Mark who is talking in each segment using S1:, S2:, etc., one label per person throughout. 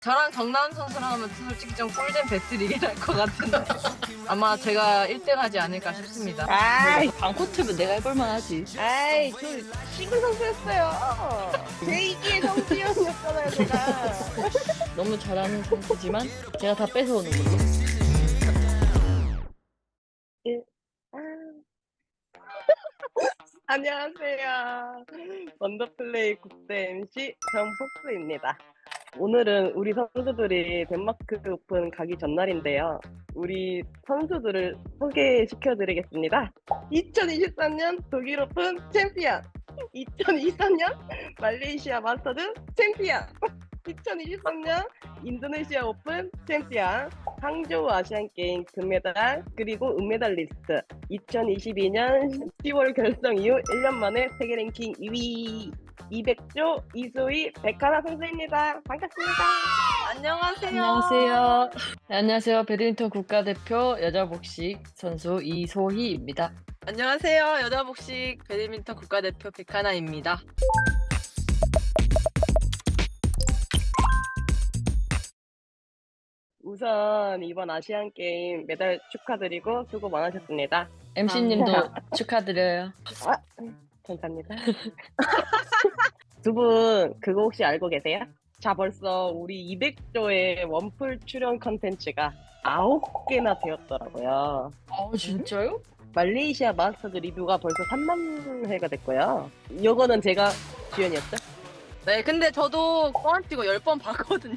S1: 저랑 정다운 선수랑 하면 솔직히 좀 꿀잼 배틀이긴 할 것 같은데 아마 제가 1등 하지 않을까 싶습니다.
S2: 아이,
S3: 방코트면 내가 해볼만 하지.
S2: 아이, 저 싱글 선수였어요. 제2기의 성지연이었잖아요, 제가.
S3: 너무 잘하는 선수지만 제가 다 뺏어오는 걸로.
S2: 아. 안녕하세요. 원더플레이 국대 MC 정폭수입니다. 오늘은 우리 선수들이 덴마크 오픈 가기 전날인데요. 우리 선수들을 소개시켜드리겠습니다. 2023년 독일 오픈 챔피언, 2023년 말레이시아 마스터즈 챔피언, 2023년 인도네시아 오픈 챔피언, 항저우 아시안게임 금메달, 그리고 은메달리스트, 2022년 10월 결성 이후 1년 만에 세계 랭킹 2위 200조 이소희 백하나 선수입니다. 반갑습니다.
S1: 안녕하세요.
S3: 안녕하세요. 네, 안녕하세요. 배드민턴 국가대표 여자복식 선수 이소희입니다.
S1: 안녕하세요. 여자복식 배드민턴 국가대표 백하나입니다.
S2: 우선 이번 아시안 게임 메달 축하드리고 수고 많으셨습니다.
S3: MC님도 축하드려요.
S2: 감사합니다. 두 분 그거 혹시 알고 계세요? 자, 벌써 우리 200조의 원풀 출연 컨텐츠가 9개나 되었더라고요.
S3: 진짜요?
S2: 말레이시아 마스터즈 리뷰가 벌써 3만 회가 됐고요. 요거는 제가 주연이었죠?
S1: 네, 근데 저도 뻥안 치고 10번 봤거든요.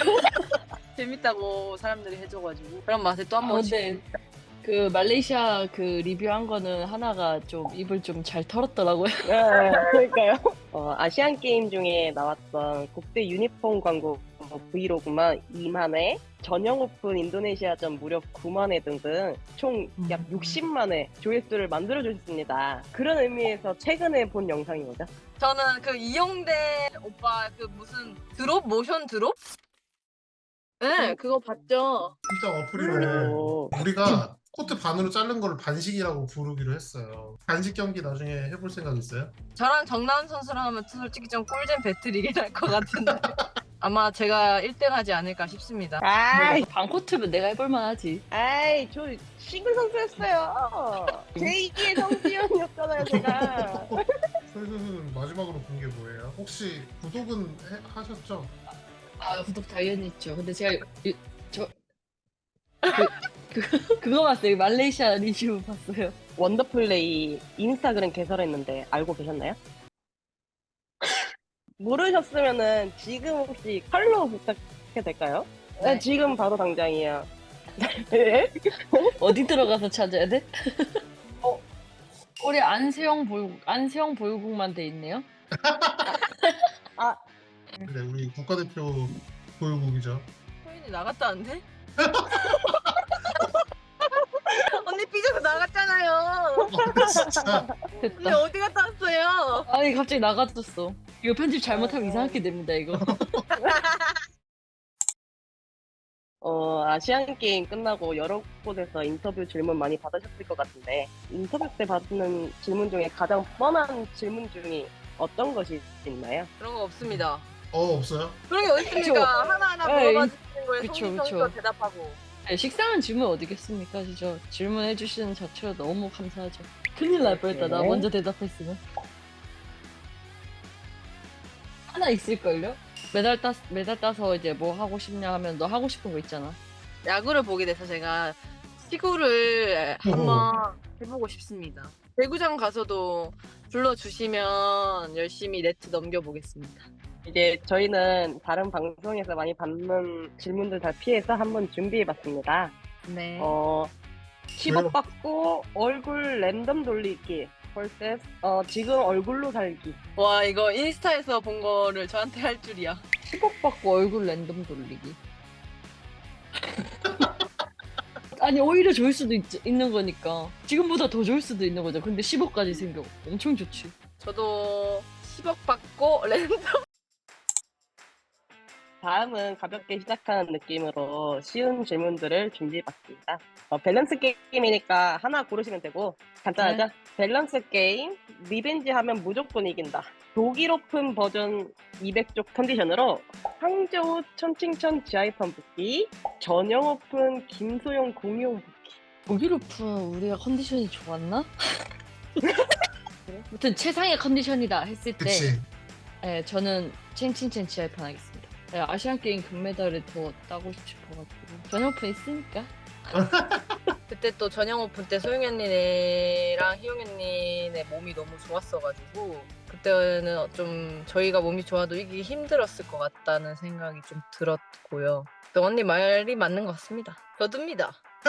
S1: 재밌다고 사람들이 해줘가지고 그런 맛에 또 한 번씩.
S3: 근데 그 말레이시아 그 리뷰한 거는 하나가 좀 입을 좀 잘 털었더라고요.
S2: 네, 그러니까요. 아시안 게임 중에 나왔던 국대 유니폼 광고 브이로그만 2만 회, 전용 오픈 인도네시아전 무려 9만 회 등등 총 약 60만 회 조회수를 만들어 주셨습니다. 그런 의미에서 최근에 본 영상이 뭐죠?
S1: 저는 그 이용대 오빠 그 무슨 드롭? 모션 드롭? 네, 그거 봤죠.
S4: 일단 어플이면은
S2: 오.
S4: 우리가 코트 반으로 자른 거를 반식이라고 부르기로 했어요. 반식 경기 나중에 해볼 생각 있어요?
S1: 저랑 정다운 선수랑 하면 솔직히 좀 꿀잼 배틀이긴 할 것 같은데 아마 제가 1등 하지 않을까 싶습니다.
S2: 아이,
S3: 방코트면 내가 해볼만 하지.
S2: 아이, 저 싱글 선수였어요. 제2기의 성지연이었잖아요, 제가.
S4: 선수는 마지막으로 본 게 뭐예요? 혹시 구독은 하셨죠?
S3: 구독 당연히 있죠. 근데 제가 그거 봤어요. 말레이시아 리뷰 봤어요.
S2: 원더플레이 인스타그램 개설했는데 알고 계셨나요? 모르셨으면은 지금 혹시 팔로우 부탁해도 될까요? 네,
S3: 네.
S2: 지금 바로 당장이에요. 네?
S3: 어디 들어가서 찾아야 돼? 우리 안세영 보유국만 돼 있네요.
S4: 네, 우리 국가대표 보유국이죠.
S1: 소인이 나갔다는데? 언니 삐져서 나갔잖아요.
S4: 진짜
S1: 언니
S3: 됐다.
S1: 어디 갔다 왔어요?
S3: 아니 갑자기 나가졌어. 이거 편집 잘못하면 이상하게 됩니다 이거.
S2: 아시안 게임 끝나고 여러 곳에서 인터뷰 질문 많이 받으셨을 것 같은데 인터뷰 때 받는 질문 중에 가장 뻔한 질문 중에 어떤 것이 있나요?
S1: 그런 거 없습니다.
S4: 없어요?
S1: 그런 게 어디 있습니까? 하나하나
S3: 에이,
S1: 물어봐 주시는 거에
S3: 그쵸,
S1: 성심성의껏
S3: 그쵸.
S1: 대답하고.
S3: 네, 식상한 질문 어디겠습니까 진짜. 질문해 주시는 자체로 너무 감사하죠. 큰일 날 뻔했다. 나
S2: 네.
S3: 먼저 대답했으면. 하나 있을걸요? 메달 따서 이제 뭐 하고 싶냐 하면 너 하고 싶은 거 있잖아.
S1: 야구를 보게 돼서 제가 시구를 한번 해보고 싶습니다. 배구장 가서도 불러주시면 열심히 네트 넘겨보겠습니다.
S2: 이제 저희는 다른 방송에서 많이 받는 질문들 다 피해서 한번 준비해봤습니다.
S1: 네.
S2: 10억 받고 얼굴 랜덤 돌리기 vs 지금 얼굴로 살기.
S1: 와, 이거 인스타에서 본 거를 저한테 할 줄이야.
S3: 10억 받고 얼굴 랜덤 돌리기. 아니 오히려 좋을 수도 있는 거니까. 지금보다 더 좋을 수도 있는 거죠. 근데 10억까지 생겨. 엄청 좋지.
S1: 저도 10억 받고 랜덤
S2: 다음은 가볍게 시작하는 느낌으로 쉬운 질문들을 준비해봤습니다. 밸런스 게임이니까 하나 고르시면 되고 간단하죠? 밸런스 게임, 리벤지 하면 무조건 이긴다. 독일 오픈 버전 200쪽 컨디션으로 항저우 천칭천 지하이판 붙기, 전용 오픈 김소영 공용 붙기.
S3: 독일 오픈 우리가 컨디션이 좋았나? 아무튼 최상의 컨디션이다 했을 때
S4: 그치.
S3: 네, 저는 챙칭챙 지하이판 하겠습니다. 네, 아시안 게임 금메달을 더 따고 싶어가지고 전용 오픈 있으니까.
S1: 그때 또 전형 오픈 때 소영 언니랑 희영 언니네 몸이 너무 좋았어가지고 그때는 좀 저희가 몸이 좋아도 이기기 힘들었을 것 같다는 생각이 좀 들었고요. 또 언니 말이 맞는 것 같습니다. 저도입니다.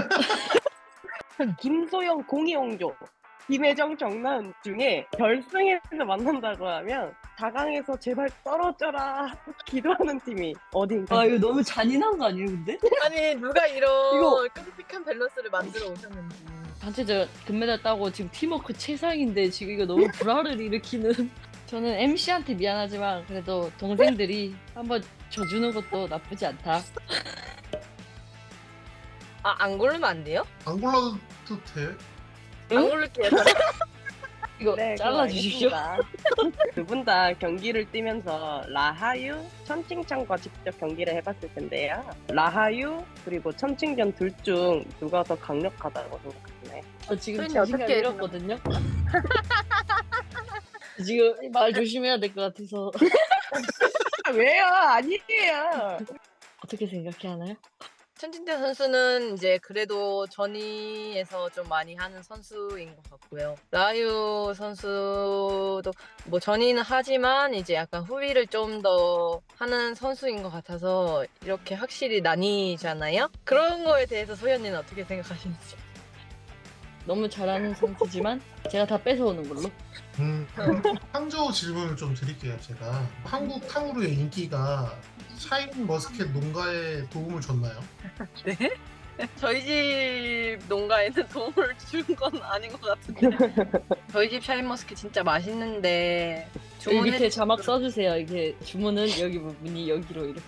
S2: 김소영 공이용조, 김혜정 정나은 중에 결승에서 만난다고 하면 4강에서 제발 떨어져라 기도하는 팀이 어딘가.
S3: 아 이거 너무 잔인한 거 아니에요 근데?
S1: 아니 누가 이런
S3: 이거-
S1: 끔찍한 밸런스를 만들어 오셨는지.
S3: 단체전 금메달 따고 지금 팀워크 최상인데 지금 이거 너무 불화를 일으키는. 저는 MC한테 미안하지만 그래도 동생들이 한번 져주는 것도 나쁘지 않다.
S1: 안 고르면 안 돼요?
S4: 안 골라도 돼.
S3: 응?
S1: 안 고를게요.
S3: 이거 잘라주십시오.
S2: 두 분 다 경기를 뛰면서 라하유, 천칭찬과 직접 경기를 해봤을 텐데요. 라하유 그리고 천칭전 둘 중 누가 더 강력하다고 생각하시나요?
S3: 저 지금
S1: 소연이
S3: 자신감
S1: 어떻게
S3: 잃었거든요. 지금 말 조심해야 될 것 같아서.
S2: 왜요? 아니에요.
S3: 어떻게 생각해 하나요?
S1: 천진태 선수는 이제 그래도 전위에서 좀 많이 하는 선수인 것 같고요. 라유 선수도 뭐 전위는 하지만 이제 약간 후위를 좀 더 하는 선수인 것 같아서 이렇게 확실히 나뉘잖아요. 그런 거에 대해서 소연이는 어떻게 생각하시는지.
S3: 너무 잘하는 선수지만 제가 다 뺏어오는 걸로.
S4: 항저우 질문을 좀 드릴게요. 제가 한국 탕후루의 인기가 샤인 머스켓 농가에 도움을 줬나요?
S1: 네? 저희 집 농가에는 도움을 준 건 아닌 것 같은데. 저희 집 샤인머스켓 진짜 맛있는데
S3: 여기 밑에
S1: 주문해.
S3: 자막 써주세요. 이게 주문은 여기 부분이 여기로 이렇게.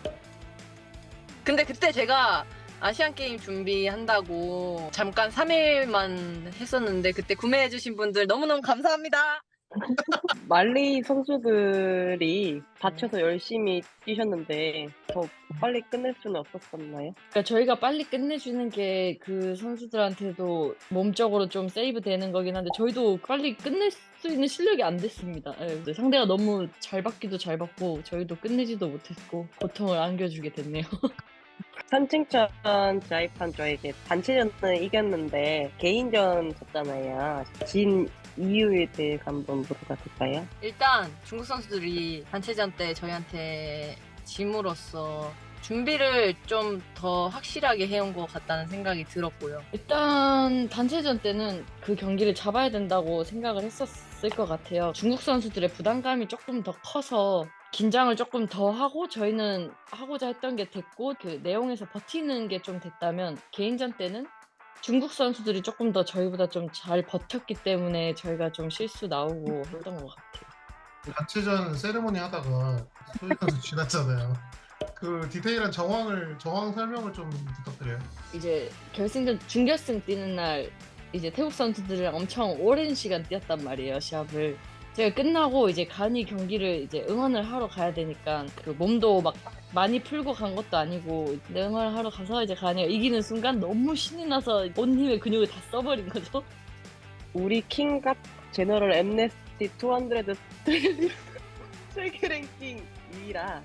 S1: 근데 그때 제가 아시안 게임 준비한다고 잠깐 3일만 했었는데 그때 구매해주신 분들 너무너무 감사합니다.
S2: 말리 선수들이 다쳐서 열심히 뛰셨는데 더 빨리 끝낼 수는 없었었나요?
S3: 그러니까 저희가 빨리 끝내주는 게 그 선수들한테도 몸적으로 좀 세이브 되는 거긴 한데 저희도 빨리 끝낼 수 있는 실력이 안 됐습니다. 예, 상대가 너무 잘 받기도 잘 받고 저희도 끝내지도 못했고 고통을 안겨주게 됐네요.
S2: 선칭천 자이판 저에게 단체전은 이겼는데 개인전 졌잖아요. 진 이유에 대해 한번 물어봐도 될까요?
S1: 일단 중국 선수들이 단체전 때 저희한테 짐으로써 준비를 좀 더 확실하게 해온 것 같다는 생각이 들었고요.
S3: 일단 단체전 때는 그 경기를 잡아야 된다고 생각을 했었을 것 같아요. 중국 선수들의 부담감이 조금 더 커서 긴장을 조금 더 하고 저희는 하고자 했던 게 됐고 그 내용에서 버티는 게 좀 됐다면 개인전 때는 중국 선수들이 조금 더 저희보다 좀 잘 버텼기 때문에 저희가 좀 실수 나오고 했던 것 같아요.
S4: 단체전 세레모니 하다가 소희 선수 지났잖아요. 그 디테일한 정황 설명을 좀 부탁드려요.
S3: 이제 결승전 준결승 뛰는 날 이제 태국 선수들이랑 엄청 오랜 시간 뛰었단 말이에요, 시합을. 제가 끝나고 이제 간이 경기를 이제 응원을 하러 가야 되니까 그 몸도 막 많이 풀고 간 것도 아니고 응원을 하러 가서 이제 간이가 이기는 순간 너무 신이 나서 온 힘의 근육을 다 써버린 거죠.
S2: 우리 킹갑 제너럴 엠네스티 200 세계 랭킹 2위라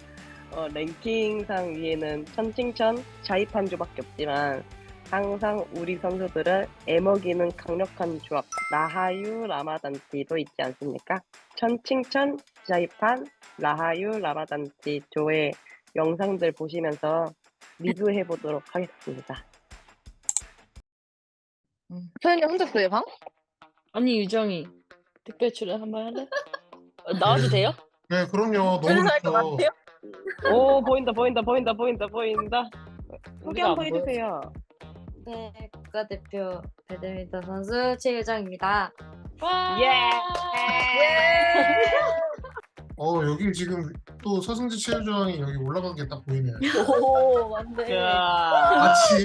S2: 랭킹상 위에는 천칭천 자이판조밖에 없지만 항상 우리 선수들을 애먹이는 강력한 조합 라하유 라마단티도 있지 않습니까? 천칭천 자이판 라하유 라마단티 조의 영상들 보시면서 리뷰해 보도록 하겠습니다.
S1: 소연이 혼자 써요 방?
S3: 아니 유정이 특별 출연 한번 할래? 나와도 돼요?
S4: 네, 그럼요. 너무
S1: 출연할 것
S4: 좋죠.
S1: 같아요?
S2: 오 보인다. 소개
S3: 우리가
S2: 한번
S3: 안
S2: 해주세요.
S5: 네, 국가대표 배드민턴 선수 최유정입니다.
S3: 와!
S2: 예!
S4: 여기 지금 또 서승지 체육장이 여기 올라간 게 딱 보이네요.
S1: 오 맞네.
S2: 야.
S4: 마치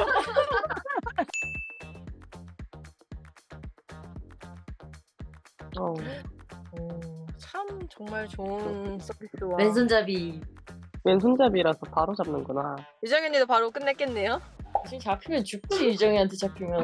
S2: 어.
S1: 참 정말 좋은 서비스와
S5: 왼손잡이.
S2: 왼손잡이라서 바로 잡는구나.
S1: 유정현이도 바로 끝냈겠네요.
S3: 지금 잡히면 죽지 유정이한테 잡히면.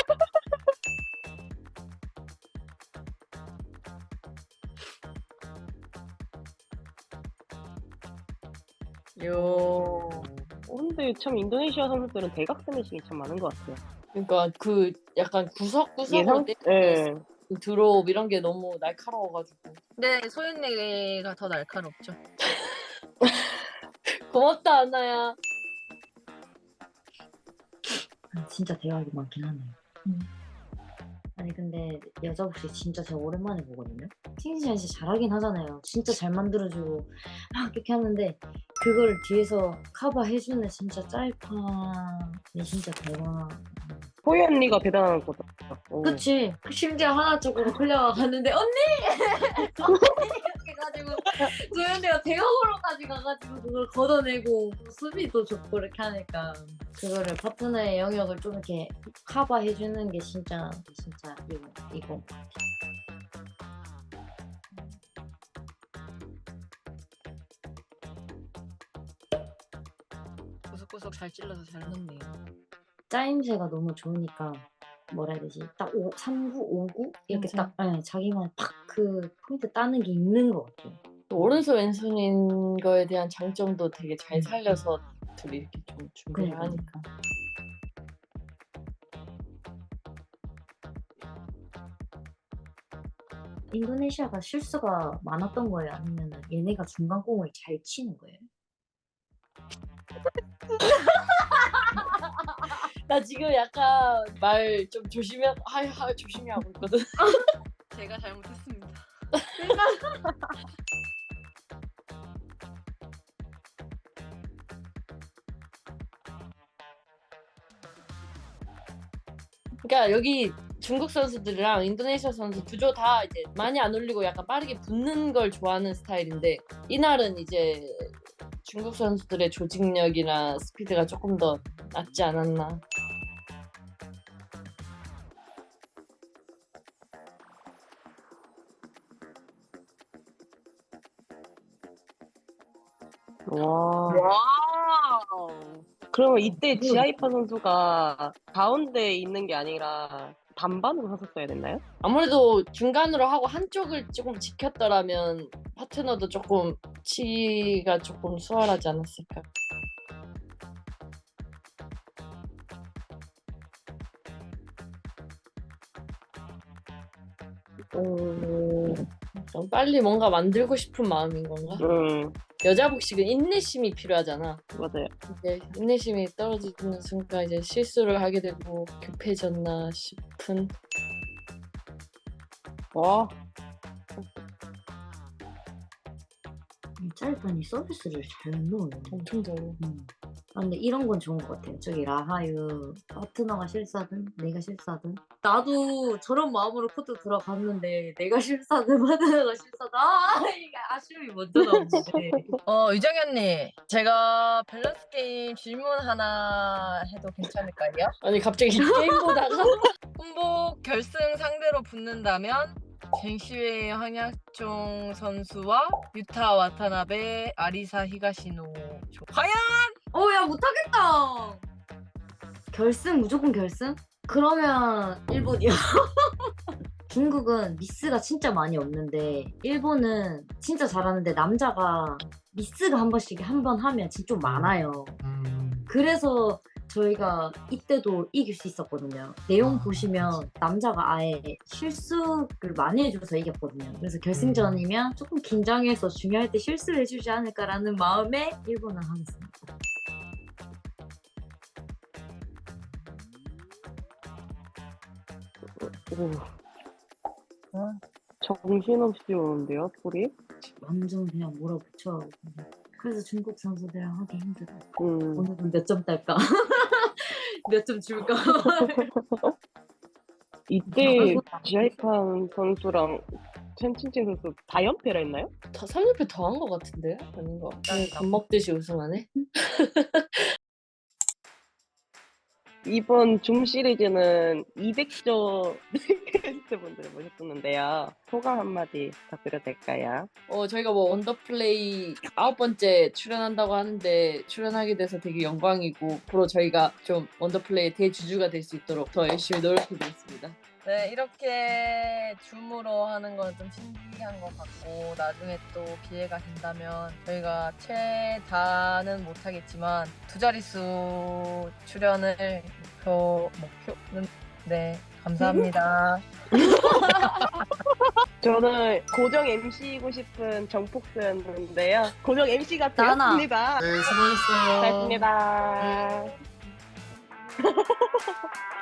S1: 요.
S2: 근데 참 인도네시아 선수들은 대각 스매싱이 참 많은 것 같아요.
S3: 그러니까 그 약간 구석구석으로
S2: 예상? 예.
S3: 그 드롭 이런 게 너무 날카로워가지고.
S1: 근데 소윤이가 더 날카롭죠.
S3: 고맙다 안나야.
S5: 진짜 대화가 많긴 하네요. 아니 근데 여자 복식 진짜 제가 오랜만에 보거든요. 팅시안 씨 잘하긴 하잖아요. 진짜 잘 만들어주고 막 이렇게 하는데 그걸 뒤에서 커버해주는 진짜 짤판이 진짜 대박.
S2: 호이 언니가 대단한 거다. 오.
S5: 그치? 심지어 하나 쪽으로 흘려가는데 언니! 이렇게 해가지고 조현이가 대각으로까지 가가지고 그걸 걷어내고 수비도 좋고 이렇게 하니까 그거를 파트너의 영역을 좀 이렇게 커버해주는 게 진짜 이거
S1: 구석구석 잘 찔러서 잘 넣네요.
S5: 짜임새가 너무 좋으니까 뭐라 해야 되지? 딱 3구, 5구? 이렇게
S3: 맞아.
S5: 딱 자기만 팍 그 포인트 따는 게 있는 것 같아요.
S3: 오른손 왼손인 거에 대한 장점도 되게 잘 살려서 둘이 이렇게 좀 준비를
S5: 그러니까.
S3: 하니까.
S5: 인도네시아가 실수가 많았던 거예요? 아니면 얘네가 중간 공을 잘 치는 거예요?
S3: 나 지금 약간 말 좀 조심히 하고 있거든.
S1: 제가 잘못했습니다.
S3: 그러니까 여기 중국 선수들이랑 인도네시아 선수 구조 다 이제 많이 안 올리고 약간 빠르게 붙는 걸 좋아하는 스타일인데 이날은 이제 중국 선수들의 조직력이나 스피드가 조금 더 낫지 않았나.
S2: 와.
S1: 와우.
S2: 그러면 이때 지아이파 선수가 가운데 있는 게 아니라 반반으로 섰었어야 됐나요?
S3: 아무래도 중간으로 하고 한쪽을 조금 지켰더라면 파트너도 조금 치가 조금 수월하지 않았을까.
S2: 오.
S3: 좀 빨리 뭔가 만들고 싶은 마음인 건가? 여자 복식은 인내심이 필요하잖아.
S2: 맞아요.
S3: 이제 인내심이 떨어지는 순간 이제 실수를 하게 되고 급해졌나 싶은.
S2: 와.
S5: 짜이판이 서비스를 잘 넣어요.
S3: 엄청 잘해.
S5: 아, 근데 이런 건 좋은 것 같아요. 저기 라하유 파트너가 실수하든 내가 실수하든 나도 저런 마음으로 코트 들어갔는데 내가 실수하든 파트너가 실수하든 이게 아쉬움이 먼저 나오는데
S1: 유정현님, 제가 밸런스 게임 질문 하나 해도 괜찮을까요?
S3: 아니 갑자기 게임 보다가
S1: 혼복 결승 상대로 붙는다면 젠시웨이 황약종 선수와 유타 와타나베, 아리사 히가시노. 과연
S5: 야 못하겠다. 결승 무조건 결승? 그러면 일본이요. 중국은 미스가 진짜 많이 없는데 일본은 진짜 잘하는데 남자가 미스가 한 번씩 한 번 하면 진짜 좀 많아요. 그래서 저희가 이때도 이길 수 있었거든요. 내용 보시면 남자가 아예 실수를 많이 해줘서 이겼거든요. 그래서 결승전이면 조금 긴장해서 중요할 때 실수를 해주지 않을까라는 마음에 일본을 하겠습니다.
S2: 오. 정신없이 오는데요, 소리?
S5: 완전 그냥 몰아붙여. 그래서 중국 선수들이랑 하기 힘들어.
S2: 음.
S5: 오늘은 몇 점 딸까? 몇 점 줄까?
S2: 이때 지아이판 선수랑 전친친 선수 4연패라 했나요?
S3: 3연패 더 한 것 같은데요? 아닌 거. 밥 먹듯이 우승하네.
S2: 이번 줌 시리즈는 200조 게스트분들을 모셨었는데요. 소감 한마디 부탁드려도 될까요?
S3: 저희가 뭐 원더플레이 9번째 출연한다고 하는데 출연하게 돼서 되게 영광이고 앞으로 저희가 좀 원더플레이 대주주가 될 수 있도록 더 열심히 노력하겠습니다.
S1: 네, 이렇게 줌으로 하는 건 좀 신기한 것 같고 나중에 또 기회가 된다면 저희가 최다는 못하겠지만 두 자릿수 출연을 목표는 네, 감사합니다.
S2: 저는 고정 MC이고 싶은 정폭스였는데요. 고정 MC가
S5: 나나.
S2: 되었습니다.
S4: 네, 수고하셨어요.
S2: 고맙습니다.